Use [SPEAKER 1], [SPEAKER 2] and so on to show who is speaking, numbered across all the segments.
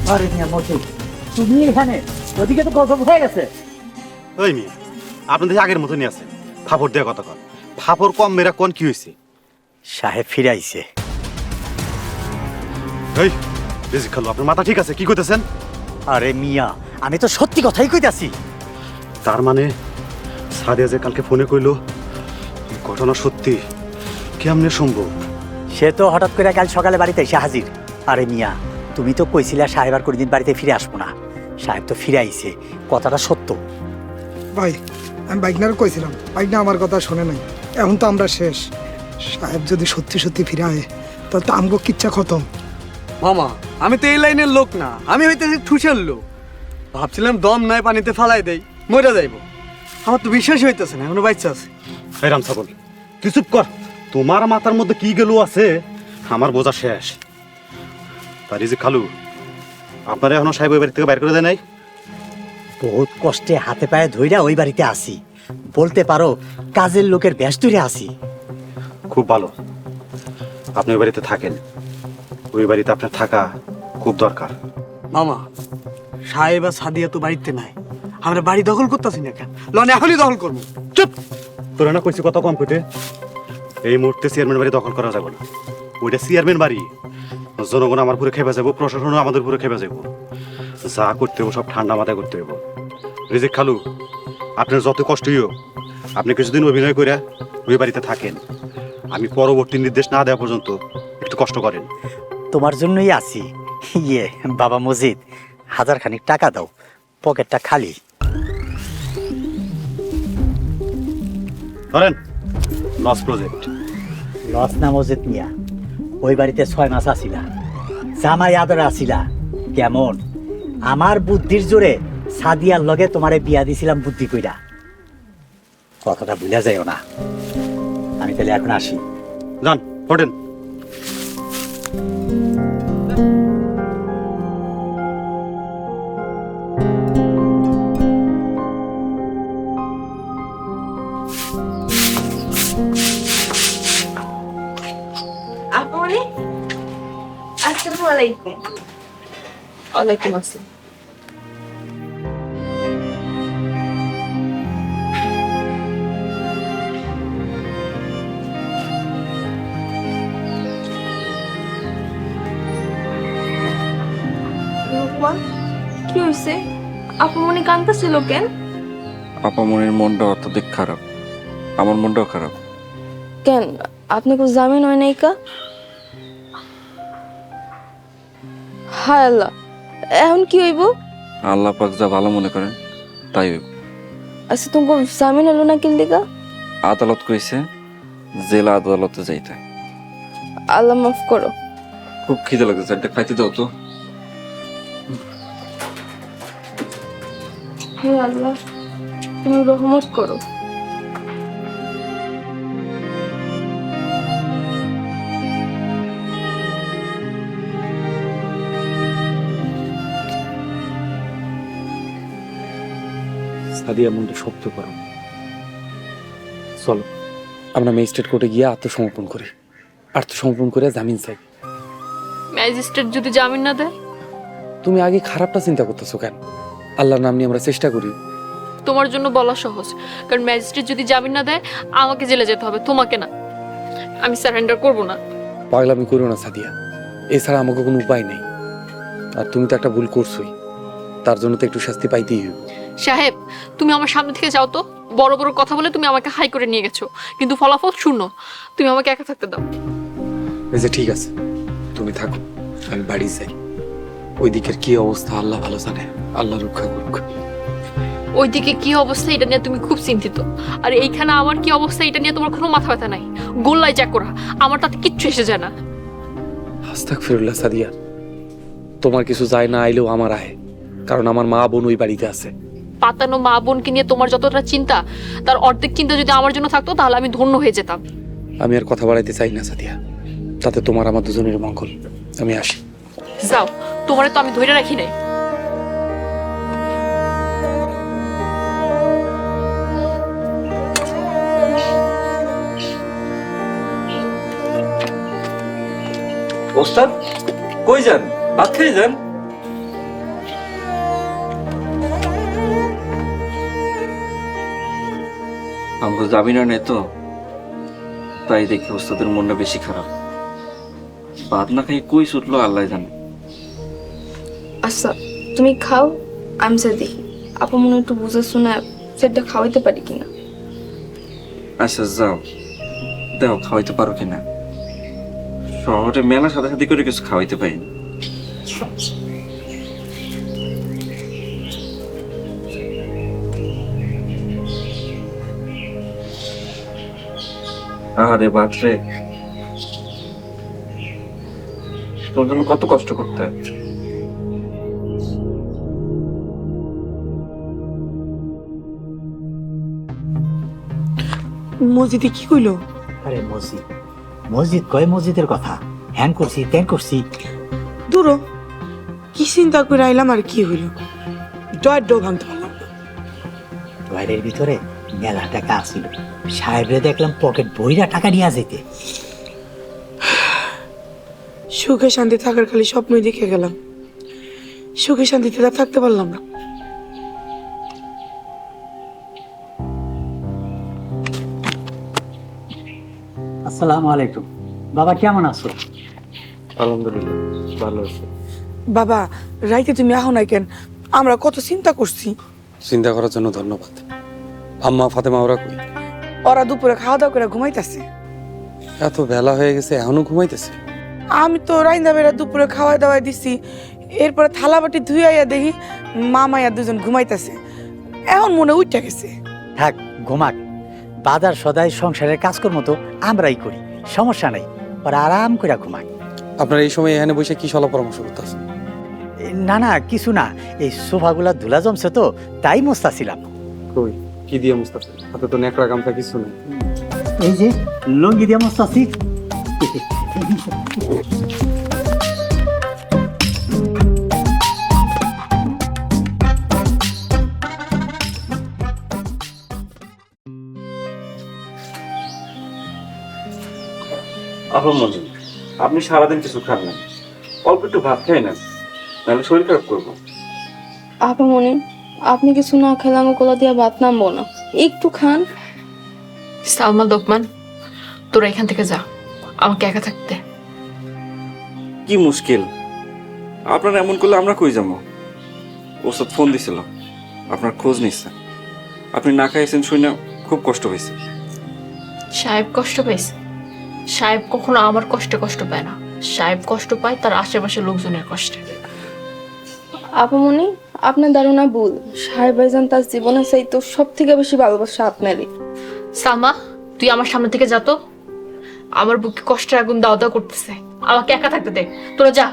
[SPEAKER 1] আরে মিয়া মসজিদ, তুমি এখানে? ওদিকে তো গজব হয়ে গেছে।
[SPEAKER 2] ওই মিয়া, আপনাদের আগের মতনই আছে। ফাপড় দেওয়া কথা কন, ফাপড় কম মেরা কোন কি হয়েছে?
[SPEAKER 1] সাহেব ফিরে আইছে।
[SPEAKER 2] এই রিজিক খালু, আপনার মাথা ঠিক আছে? কি কইতেছেন?
[SPEAKER 1] আরে মিয়া, আমি তো সত্যি কথাই কইতাছি।
[SPEAKER 2] তার মানে সাদিয়া যে কালকে ফোনে কইলো ঘটনা সত্যি, কেমনে সম্ভব?
[SPEAKER 1] সে তো হঠাৎ করে কাল সকালে বাড়িতে এসে হাজির। আরে মিয়া, তুমি তো কইছিলা সাহেব আর কোনদিন বাড়িতে ফিরে আসবো না। সাহেব তো ফিরে আইছে, কথাটা সত্য।
[SPEAKER 3] ভাই, আমি বাইকনার কইছিলাম, বাইকনা আমার কথা শোনে নাই। এখন তো আমরা শেষ। সাহেব যদি সত্যি সত্যি ফিরে আয়, তাহলে তো আমগো কিচ্ছা খতম।
[SPEAKER 4] মামা, আমি তো এই লাইনের লোক না, আমি হইতেছি ঠুসের লোক। ভাবছিলাম দম নাই, পানিতে ফালাই দেই, মরে যাইব। আমার তো বিশ্বাসই হইতেছে না এখনো বাচ্চা আছে।
[SPEAKER 2] এই রাম ছাগল, তুই চুপ কর। তোমার মাথার মধ্যে কি গেল আছে আমার বোঝা শেষ। তা রিজিক খালু, আপনারা এখনো সাহেব ওই বাড়ি থেকে বাইর করে দেয় নাই?
[SPEAKER 1] বহুত কষ্টে হাতে পায়ে ধইরা ওই বাড়িতে আসি, বলতে পারো কাজের লোকের বেশ ধরে আসি।
[SPEAKER 2] খুব ভালো, আপনি ওই বাড়িতে থাকেন। ওই বাড়িতে আপনার থাকা খুব দরকার।
[SPEAKER 4] মামা, সাহেব আর সাদিয়া তো বাড়িতে নাই, আমরা বাড়ি দখল করতেছি না কেন? লন এখনই দখল করবো।
[SPEAKER 2] চুপ! তোরা না কইছি কত কম কইতে? এই মুহূর্তে চেয়ারম্যান বাড়ি দখল করা যাবে না। ওইটা চেয়ারম্যান বাড়ি, জনগণ আমার পুরো খেপে যাবো, প্রশাসনও আমাদের পুরো খেপে যাবো। যা করতে হবো সব ঠান্ডা মাথায় করতে হবো। রিজিক খালু, আপনার যত কষ্টই হোক, আপনি কিছুদিন অভিনয় করে ওই বাড়িতে থাকেন। আমি পরবর্তী নির্দেশ না দেওয়া পর্যন্ত একটু কষ্ট করেন।
[SPEAKER 1] তোমার জন্যই আছি। ইয়ে বাবা মজিদ, 1000 খানিক টাকা দাও, পকেটটা খালি।
[SPEAKER 2] ধরেন, লস প্রজেক্ট।
[SPEAKER 1] লস না মজিদ মিয়া, ওই বাড়িতে 6 মাস আসিলা, জামাই আদর আসিলা। কেমন আমার বুদ্ধির জোরে সাদিয়ার লগে তোমারে বিয়া দিছিলাম বুদ্ধি কইরা। কথাটা ভুলে যাইও না। আমি তাহলে এখন আসি।
[SPEAKER 2] যান, ওঠেন।
[SPEAKER 5] আপনি? আসসালামু আলাইকুম। ওয়ালাইকুম আসসালাম। রূপা, কি হয়েছে? আপু মনে কাঁদতেছিল কেন?
[SPEAKER 6] আপামনির মনটা অত্যধিক খারাপ, আমার মনটাও খারাপ।
[SPEAKER 5] কেন, আপনি কো জামিন হয় নাই কা? হায় আল্লাহ, এখন কি হইব?
[SPEAKER 6] আল্লাহ পাক যা ভালো মনে করেন তাই হইব।
[SPEAKER 5] আচ্ছা, তোমাকে জামিন হলো না কিল দিকা?
[SPEAKER 6] আদালত কইছে জেলা আদালতে যাইতে।
[SPEAKER 5] আল্লাহ মাফ করো।
[SPEAKER 6] খুব খিদে লাগতেছে, একটা খাইতে দাও তো।
[SPEAKER 5] হে আল্লাহ, তুমি রহমত করো।
[SPEAKER 7] সাদিয়া মনটা শক্ত করো। চলো আমরা ম্যাজিস্ট্রেট কোর্টে গিয়ে আত্মসমর্পণ করি। আত্মসমর্পণ করে জামিন চাই।
[SPEAKER 8] ম্যাজিস্ট্রেট যদি জামিন না দেয়?
[SPEAKER 7] তুমি আগে খারাপটা চিন্তা করতেছো কেন? আল্লাহর নাম নিয়ে আমরা চেষ্টা করি।
[SPEAKER 8] তোমার জন্য বলা সহজ, কারণ ম্যাজিস্ট্রেট যদি জামিন না দেয় আমাকে জেলে যেতে হবে, তোমাকে না। আমি সারেন্ডার করব না।
[SPEAKER 7] পাগলামি করো না সাদিয়া, এছাড়া আমাকে কোনো উপায় নেই। আর তুমি তো একটা ভুল করছোই, তার জন্য তো একটু শাস্তি পাইতেই হবে।
[SPEAKER 8] সাহেব, তুমি আমার সামনে থেকে যাও তো। বড় বড় কথা বলে তুমি আমাকে হাই করে নিয়ে গেছো, কিন্তু ফলাফল শূন্য। তুমি আমাকে একা থাকতে দাও।
[SPEAKER 7] এই যে ঠিক আছে, তুমি থাকো, আমি বাড়ি যাই। ওই দিকের কি অবস্থা আল্লাহ ভালো জানে, আল্লাহ রক্ষা করুক।
[SPEAKER 8] ওইদিকে কি অবস্থা এটা নিয়ে তুমি খুব চিন্তিত, আর এইখানে আমার কি অবস্থা এটা নিয়ে তোমার কোনো মাথা ব্যথা নাই। গোল্লাই চাকরা, আমার তাতে কিচ্ছু এসে যায় না।
[SPEAKER 7] আস্তাগফিরুল্লাহ সাদিয়া, তোমার কিছু যায় না আইলেও আমার আহে, কারণ আমার মা বোন ওই বাড়িতে আছে।
[SPEAKER 8] পাতানো মা বোনকে নিয়ে তোমার যতটা চিন্তা, তার অর্ধেক চিন্তা যদি আমার জন্য থাকতো তাহলে আমি ধন্য হয়ে যেতাম।
[SPEAKER 7] আমি আর কথা বাড়াইতে চাই না সাদিয়া, তাতে তোমার আমার দুজনের মঙ্গল। আমি আসি।
[SPEAKER 8] যাও, তোমারে তো আমি ধরে রাখি নাই।
[SPEAKER 6] ওস্তাদ কই যান? ভাত খেয়ে যান। আমরা যাবি না তো, তাই দেখি ওস্তাদের মনটা বেশি খারাপ। ভাত না খাই কই ছুটলো আল্লাহ জানে।
[SPEAKER 5] আচ্ছা তুমি খাও, আমি যা দেখি আপু মনে একটু বুঝে শুনে সেটা খাওয়াইতে পারি কিনা।
[SPEAKER 6] আচ্ছা যাও, দেখো খাওয়াইতে পারো কিনা। শহরে মেলা সাথে সাথে করে কিছু খাওয়াইতে পারি না। আরে বাপরে, তোর জন্য কত কষ্ট করতে হয়।
[SPEAKER 9] মসজিদে কি কইলো?
[SPEAKER 1] আরে মসজিদ মসজিদ কয় মসজিদের কথা, হ্যান করছি ত্যান করছি।
[SPEAKER 9] দূর কি চিন্তা করে আইলাম আর কি হইল? ডয় ডো ভাঙতে পারলাম না।
[SPEAKER 1] টয়লের ভিতরে মেলা টাকা আসছিল, সাহেবরে দেখলাম পকেট বইরা টাকা নিয়ে যেতে।
[SPEAKER 9] সুখে শান্তি থাকার খালি স্বপ্নই দেখে গেলাম, সুখে শান্তিতে আর থাকতে পারলাম না।
[SPEAKER 1] আসসালামু আলাইকুম। বাবা কেমন আছো?
[SPEAKER 7] আলহামদুলিল্লাহ ভালো আছে।
[SPEAKER 9] বাবা রাইতে তুমি আহো নাই কেন? আমরা কত চিন্তা করছি।
[SPEAKER 7] চিন্তা করার জন্য ধন্যবাদ। আম্মা ফাতেমা ওরা কই?
[SPEAKER 9] ওরা দুপুরে খাওয়া দাওয়া করে ঘুমাইতেছে।
[SPEAKER 7] এত বেলা হয়ে গেছে এখনো ঘুমাইতেছে?
[SPEAKER 9] আমি তো রাইন্দা বেড়া দুপুরে খাওয়া দাওয়া দিছি, এরপরে থালা বাটি ধুইয়া দেখি মামাইয়া দুজন ঘুমাইতেছে। এখন মনে উঠে গেছে।
[SPEAKER 1] থাক ঘুমাক, বাজার সদাই সংসারের কাজকর্ম তো আমরাই করি, সমস্যা নাই, ওরা আরাম করে ঘুমাক।
[SPEAKER 7] আপনার এই সময় এখানে বসে কি সলা পরামর্শ করতেছেন?
[SPEAKER 1] না না কিছু না, এই সোফাগুলা ধুলা জমছে তো তাই মুস্তাছিলাম।
[SPEAKER 7] কই কি দিয়ে মুস্তাফা? হাতে তো নেকড়া গামছা কিছু নেই।
[SPEAKER 1] এই যে লঙ্গি দিয়ে মুস্তাছি।
[SPEAKER 6] আপন মঞ্জুর, আপনি সারাদিন কিছু খান না, অল্প একটু ভাত খাই না, নাহলে শরীর খারাপ করবো।
[SPEAKER 5] আপা মনে আপনি কিছু না খেলে আমার কোলা দিয়ে ভাত নামবো না, একটু খান।
[SPEAKER 8] সালমা লোকমান, তোরা এখান থেকে যা, আমাকে একা থাকতে।
[SPEAKER 6] কি মুশকিল, আপনারা এমন করলে আমরা কই যাবো? ওস্তাদ ফোন দিছিল, আপনার খোঁজ নিচ্ছে। আপনি না খাইছেন শুনে খুব কষ্ট হয়েছে।
[SPEAKER 8] সাহেব কষ্ট পাইছে? সাহেব কখনো আমার কষ্টে কষ্ট পায় না, সাহেব কষ্ট পায় তার আশেপাশের লোকজনের কষ্টে।
[SPEAKER 5] আপা মনে আপনার ধারণা ভুল, সাহেব ভাইজান তার জীবনের চাইতো সব থেকে বেশি ভালোবাসা আপনারই।
[SPEAKER 8] সালমা, তুই আমার সামনে থেকে যা তো, আমার বুকে কষ্টের আগুন দাও দাও করতেছে, আমাকে একা থাকতে দে, তোরা যা।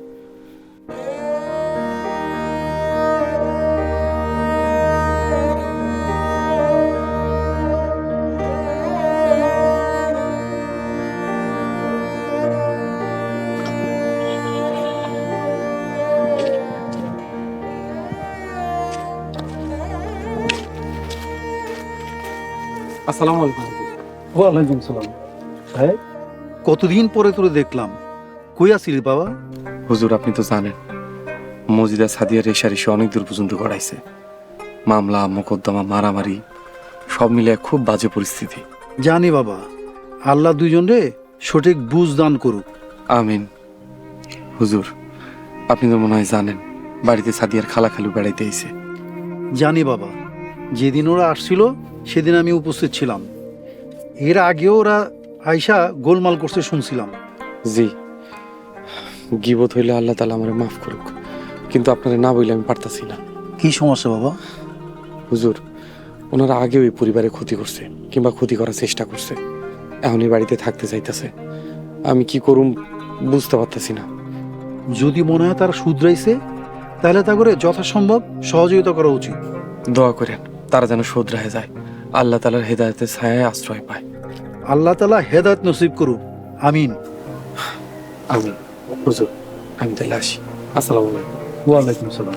[SPEAKER 7] আসসালামু আলাইকুম।
[SPEAKER 10] ওয়ালাইকুম সালাম। ভাই কতদিন পরে তোরে দেখলাম, কই আছিস বাবা?
[SPEAKER 7] হুজুর আপনি তো জানেন মসজিদা সাদিয়া রেশারেশি অনেক দূর পর্যন্ত গড়াইছে। মামলা মোকদ্দমা মারামারি সব মিলে খুব বাজে পরিস্থিতি।
[SPEAKER 10] জানি বাবা, আল্লাহ দুইজন রে সঠিক বুঝ দান করুক।
[SPEAKER 7] আমিন। হুজুর আপনি তো মনে হয় জানেন বাড়িতে সাদিয়ার খালা খালু বেড়াইতে আইছে।
[SPEAKER 10] জানি বাবা, যেদিন ওরা আসছিল সেদিন আমি উপস্থিত ছিলাম। এর আগেও ওরা আয়শা গোলমাল করতে শুনছিলাম।
[SPEAKER 7] জি, গিবত হইলে আল্লাহ তাআলা আমারে মাফ করুক, কিন্তু আপনারা না বললে আমি পারতাছি না।
[SPEAKER 10] কি সমস্যা বাবা?
[SPEAKER 7] হুজুর ওনারা আগেও এই পরিবারে ক্ষতি করছে কিংবা ক্ষতি করার চেষ্টা করছে, এখন এই বাড়িতে থাকতে চাইতেছে। আমি কি করুম বুঝতে পারতেছি না।
[SPEAKER 10] যদি মনে হয় তারা শুধরাইছে তাহলে তা করে যথাসম্ভব সহযোগিতা করা উচিত।
[SPEAKER 7] দোয়া করেন তারা যেন শুধরায় যায়, আল্লাহ তাআলার হেদায়েতের ছায়ায় আশ্রয় পায়।
[SPEAKER 10] আল্লাহ তাআলা হেদায়েত নসিব করুক, আমিন।
[SPEAKER 7] আমিন। হুজুর আমি তাহলে আসি। আসসালামু আলাইকুম।
[SPEAKER 10] ওয়ালাইকুম সালাম।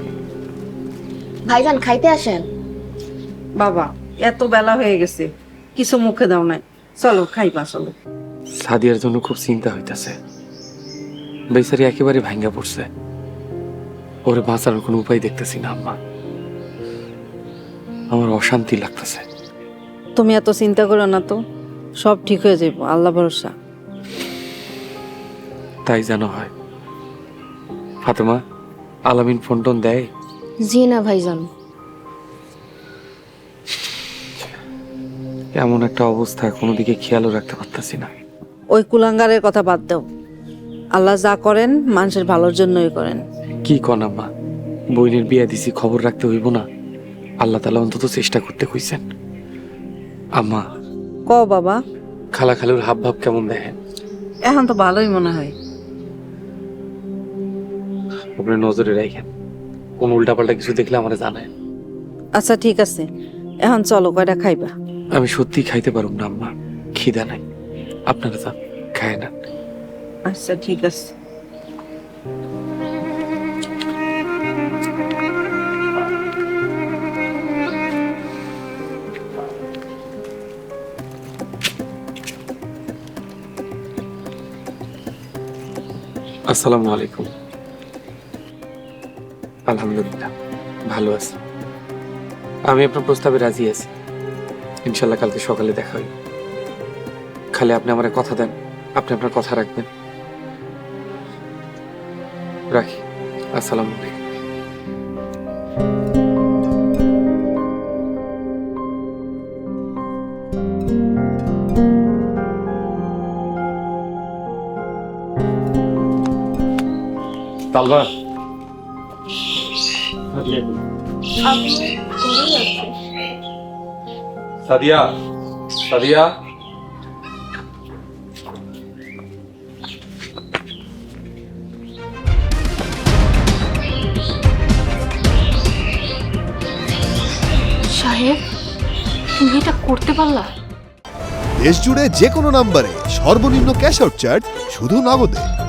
[SPEAKER 11] ভাইজান খাইতে আসেন।
[SPEAKER 12] বাবা এত বেলা হয়ে গেছে,
[SPEAKER 11] কিছু মুখে দাও নাই, চলো খাইবা চলো।
[SPEAKER 7] সাদিয়ার জন্য খুব চিন্তা হইতাছে। বেচারি একেবারে ভাঙ্গা পড়ছে। ওরে বাঁচানোর কোনো উপায় দেখতেছি না আম্মা। আমার অশান্তি লাগতেছে।
[SPEAKER 11] তুমি এত চিন্তা করো না তো, সব ঠিক হয়ে যাইব, আল্লাহ ভরসা।
[SPEAKER 7] তাই যেন হয়। ফাতেমা, আলামিন ফোন টোন দেয়?
[SPEAKER 5] জি না ভাইজান।
[SPEAKER 7] এমন একটা অবস্থা, কোনো দিকে খেয়ালও রাখতে পারতাছি না।
[SPEAKER 11] ওই কুলাঙ্গারের কথা বাদ দাও, আল্লাহ যা করেন মানুষের ভালোর জন্যই করেন।
[SPEAKER 7] কি কন আম্মা, বইনের বিয়া দিছি, খবর রাখতে হইব না? আল্লাহ তাআলা অন্তত চেষ্টা করতে কইছেন। আম্মা,
[SPEAKER 11] ক বাবা,
[SPEAKER 7] খালা খালুর হাব ভাব কেমন দেখেন?
[SPEAKER 11] এখন তো ভালোই মনে হয়।
[SPEAKER 7] আপনি নজরে রাখেন, কোন উল্টাপাল্টা কিছু দেখলে আমারে জানায়।
[SPEAKER 11] আচ্ছা ঠিক আছে, এখন চলো কয়টা খাইবা।
[SPEAKER 7] আমি সত্যি খাইতে পারুম না আম্মা, খিদা নাই। আপনারা যান, খায় না।
[SPEAKER 11] আচ্ছা ঠিক আছে।
[SPEAKER 7] আসসালামু আলাইকুম। আলহামদুলিল্লাহ ভালো আছি। আমি আপনার প্রস্তাবে রাজি আছি। ইনশাল্লাহ কালকে সকালে দেখা হইব। খালি আপনি আমার কথা দেন, আপনি আপনার কথা রাখবেন। রাখি। আসসালামু আলাইকুম। তালবা, সাদিয়া, সাদিয়া,
[SPEAKER 8] সাহেব, তুমি এটা করতে পারলা?
[SPEAKER 12] দেশ জুড়ে যে কোনো নম্বরে সর্বনিম্ন ক্যাশ আউট চার্জ শুধু নগদে।